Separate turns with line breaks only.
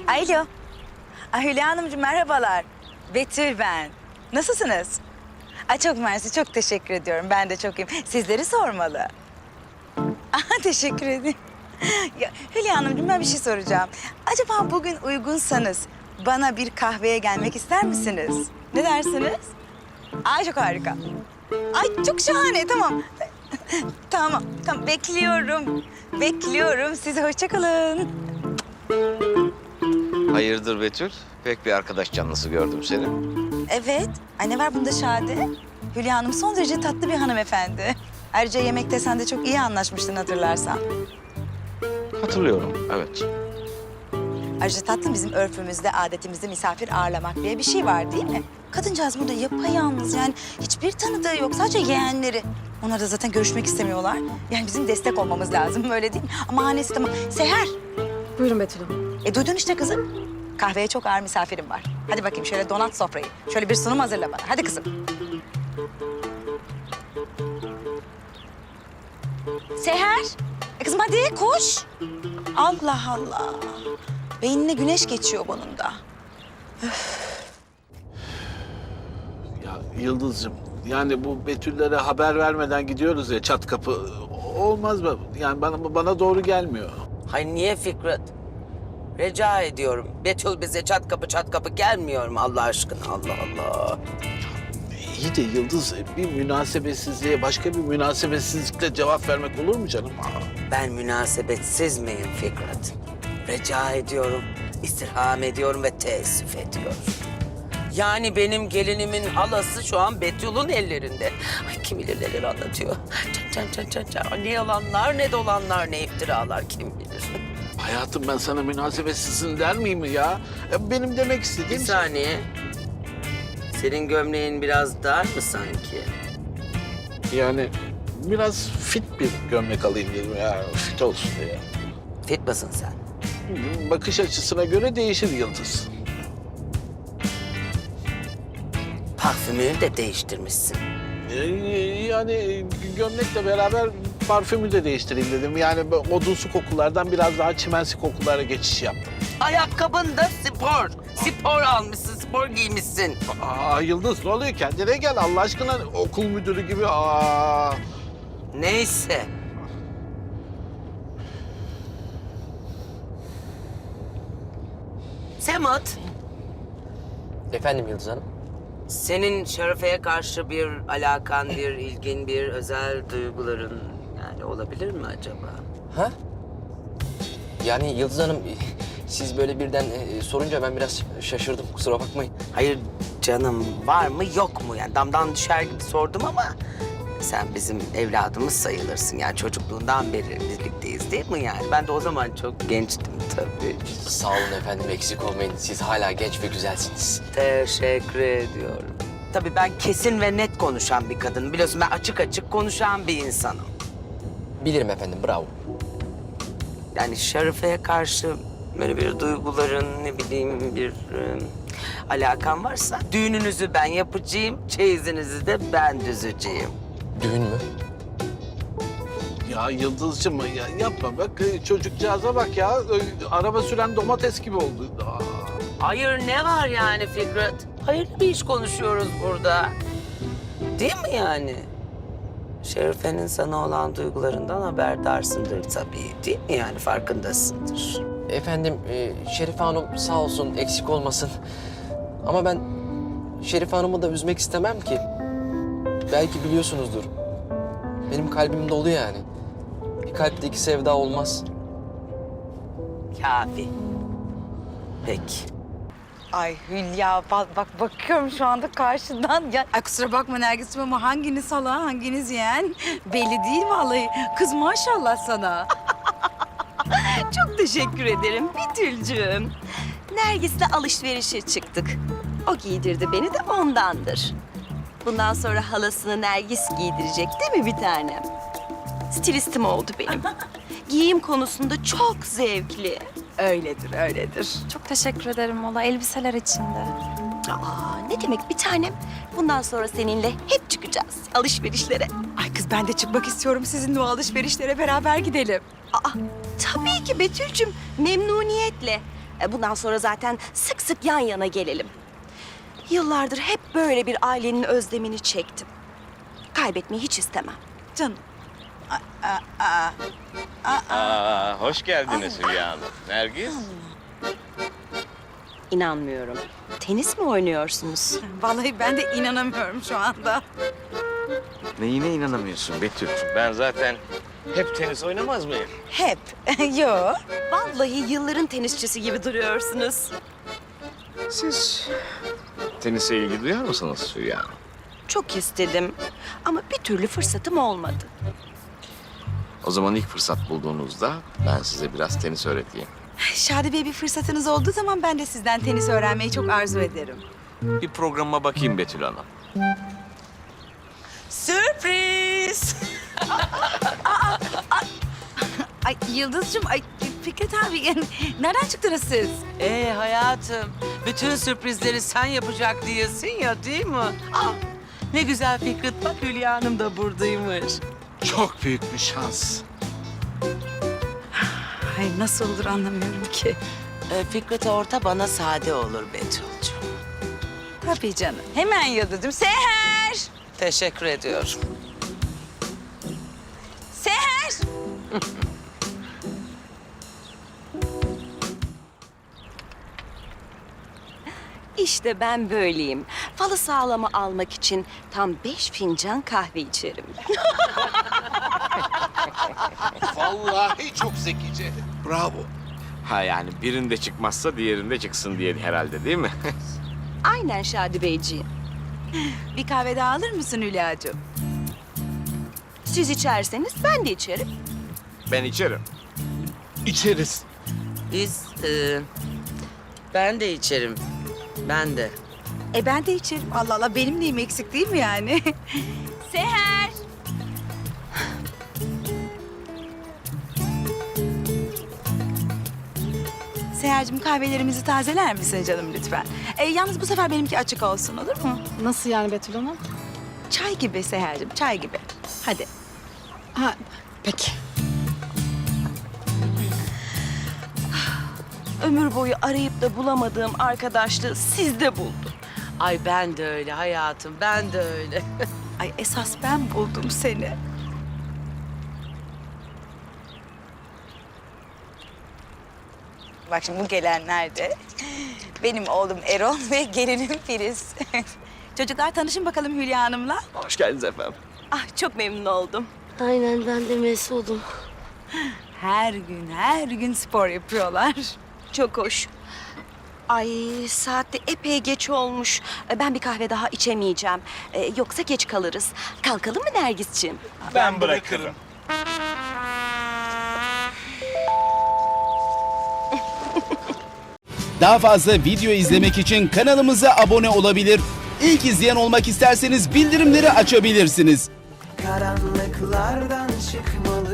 Alo. Hülya Hanımcığım merhabalar. Betül ben. Nasılsınız? Çok mersi, çok teşekkür ediyorum. Ben de çok iyiyim. Sizleri sormalı. Teşekkür ederim. Ya, Hülya Hanımcığım ben bir şey soracağım. Acaba bugün uygunsanız bana bir kahveye gelmek ister misiniz? Ne dersiniz? Çok harika. Çok şahane, tamam. Tamam. Bekliyorum. Sizi hoşça kalın.
Hayırdır Betül? Pek bir arkadaş canlısı gördüm seni.
Evet. Ne var bunda Şadi? Hülya Hanım son derece tatlı bir hanımefendi. Ayrıca yemekte sen de çok iyi anlaşmıştın hatırlarsan.
Hatırlıyorum, evet.
Ayrıca tatlım bizim örfümüzde, adetimizde misafir ağırlamak diye bir şey var değil mi? Kadıncağız burada yapayalnız yani hiçbir tanıdığı yok sadece yeğenleri. Onlar da zaten görüşmek istemiyorlar. Yani bizim destek olmamız lazım öyle değil mi? Ama hanesi tamam. Seher.
Buyurun Betül Hanım.
Duydun işte kızım. Kahveye çok ağır misafirim var. Hadi bakayım şöyle donat sofrayı. Şöyle bir sunum hazırla bana. Hadi kızım. Seher. Kızım hadi koş. Allah Allah. Beynine güneş geçiyor bunun da.
Ya Yıldız'cığım, yani bu Betüllere haber vermeden gidiyoruz ya çat kapı. Olmaz mı? Yani bana doğru gelmiyor.
Hay niye Fikret? Rica ediyorum. Betül bize çat kapı gelmiyor mu Allah aşkına? Allah Allah.
İyi de Yıldız, bir münasebetsizliğe başka bir münasebetsizlikle cevap vermek olur mu canım?
Ben münasebetsiz miyim Fikret? Rica ediyorum, istirham ediyorum ve teessüf ediyorum. Yani benim gelinimin halası şu an Betül'ün ellerinde. Ay kim bilir neler anlatıyor. Can. Ne yalanlar, ne dolanlar, ne iftiralar kim bilir.
Hayatım ben sana münasebetsizsin der miyim ya? Benim demek
Bir
istediğim...
saniye. Senin gömleğin biraz dar mı sanki?
Yani biraz fit bir gömlek alayım dedim ya. Fit olsun diye.
Fit misin sen?
Bakış açısına göre değişir Yıldız.
Parfümünü de değiştirmişsin.
Yani gömlekle beraber parfümü de değiştireyim dedim. Yani odunsu kokulardan biraz daha çimensi kokulara geçiş yaptım.
Ayakkabın da spor. Spor almışsın, spor giymişsin.
Yıldız ne oluyor? Kendine gel Allah aşkına okul müdürü gibi.
Neyse. Semat,
Efendim Yıldız Hanım?
senin Şerefe'ye karşı bir alakan, bir ilgin, bir özel duyguların yani olabilir mi acaba?
Ha? Yani Yıldız Hanım siz böyle birden sorunca ben biraz şaşırdım. Kusura bakmayın.
Hayır canım, var mı yok mu? Yani damdan düşer gibi sordum ama sen bizim evladımız sayılırsın. Yani çocukluğundan beri birlikteyiz değil mi yani? Ben de o zaman çok gençtim tabii.
Sağ olun efendim, eksik olmayın. Siz hala genç ve güzelsiniz.
Teşekkür ediyorum. Tabii ben kesin ve net konuşan bir kadınım. Biliyorsun ben açık açık konuşan bir insanım.
Bilirim efendim, bravo.
Yani Şerife'ye karşı böyle bir duyguların, ne bileyim bir alakan varsa... ...düğününüzü ben yapacağım, çeyizinizi de ben düzeceğim.
Düğün mü?
Ya Yıldızcığım ya yapma bak çocukcağıza bak ya. Araba süren domates gibi oldu.
Hayır ne var yani Fikret? Hayırlı bir iş konuşuyoruz burada. Değil mi yani? Şerife'nin sana olan duygularından haberdarsındır tabii. Değil mi yani? Farkındasındır.
Efendim Şerife Hanım sağ olsun, eksik olmasın. Ama ben Şerife Hanım'ı da üzmek istemem ki. Belki biliyorsunuzdur. Benim kalbim dolu yani. Bir kalpte iki sevda olmaz.
Kafi. Peki.
Ay Hülya bak bakıyorum şu anda karşıdan. Ya, kusura bakma Nergis'im ama hanginiz hala hanginiz yeğen belli değil vallahi. Kız maşallah sana.
Çok teşekkür ederim Betül'cüğüm. Nergis'le alışverişe çıktık. O giydirdi beni de ondandır. Bundan sonra halasını Nergis giydirecek değil mi bir tanem? Stilistim oldu benim. Giyim konusunda çok zevkli.
Öyledir.
Çok teşekkür ederim valla elbiseler içinde.
Ne demek bir tanem? Bundan sonra seninle hep çıkacağız alışverişlere.
Ay kız ben de çıkmak istiyorum sizinle o alışverişlere beraber gidelim.
Tabii ki Betül'cüğüm memnuniyetle. Bundan sonra zaten sık sık yan yana gelelim. Yıllardır hep böyle bir ailenin özlemini çektim. Kaybetmeyi hiç istemem.
Canım.
Hoş geldiniz Hülya Hanım. Nergis?
İnanmıyorum. Tenis mi oynuyorsunuz?
Vallahi ben de inanamıyorum şu anda.
Neyine inanamıyorsun Betül? Ben zaten hep tenis oynamaz mıyım?
Hep. Yo.
Vallahi yılların tenisçisi gibi duruyorsunuz.
Siz tenise ilgi duyar mısınız Hülya Hanım?
Çok istedim ama bir türlü fırsatım olmadı.
O zaman ilk fırsat bulduğunuzda ben size biraz tenis öğreteyim.
Şadi Bey, bir fırsatınız olduğu zaman ben de sizden tenis öğrenmeyi çok arzu ederim.
Bir programıma bakayım Betül Hanım.
Sürpriz! Ay Yıldız'cığım, ay Fikret abi, yani nereden çıktınız siz?
Hayatım, bütün sürprizleri sen yapacak diyesin ya, değil mi? Ah, ne güzel Fikret, bak Hülya Hanım da buradaymış.
Çok büyük bir şans.
Ay nasıl olur anlamıyorum ki.
Fikret orta, bana sade olur Betül'cüğüm.
Tabii canım. Hemen Yıldız'cığım. Seher!
Teşekkür ediyorum.
Seher!
İşte ben böyleyim. Falı sağlama almak için tam 5 fincan kahve içerim.
Vallahi çok zekice. Bravo.
Ha yani birinde çıkmazsa diğerinde çıksın diye herhalde, değil mi?
Aynen Şadi Beyciğim.
Bir kahve daha alır mısın Hülya'cığım?
Siz içerseniz ben de içerim.
Ben içerim.
İçeriz.
Ben de içerim. Ben de.
Ben de içerim. Allah Allah, benim neyim eksik değil mi yani? Seher! Seher'cim, kahvelerimizi tazeler misin canım lütfen? Yalnız bu sefer benimki açık olsun, olur mu?
Nasıl yani Betül Hanım?
Çay gibi Seher'cim, çay gibi. Hadi.
Ha, peki.
Ömür boyu arayıp da bulamadığım arkadaşlığı sizde buldum.
Ay ben de öyle hayatım, ben de öyle.
Ay esas ben buldum seni. Bak şimdi bu gelenler de benim oğlum Erol ve gelinim Filiz. Çocuklar, tanışın bakalım Hülya Hanım'la.
Hoş geldiniz efendim.
Ah, çok memnun oldum.
Aynen, ben de Mesut'um.
Her gün spor yapıyorlar.
Çok hoş. Ay, saat de epey geç olmuş. Ben bir kahve daha içemeyeceğim. Yoksa geç kalırız. Kalkalım mı Nergis'ciğim?
Ben bırakırım.
Daha fazla video izlemek için kanalımıza abone olabilir. İlk izleyen olmak isterseniz bildirimleri açabilirsiniz.
Karanlıklardan çıkmalı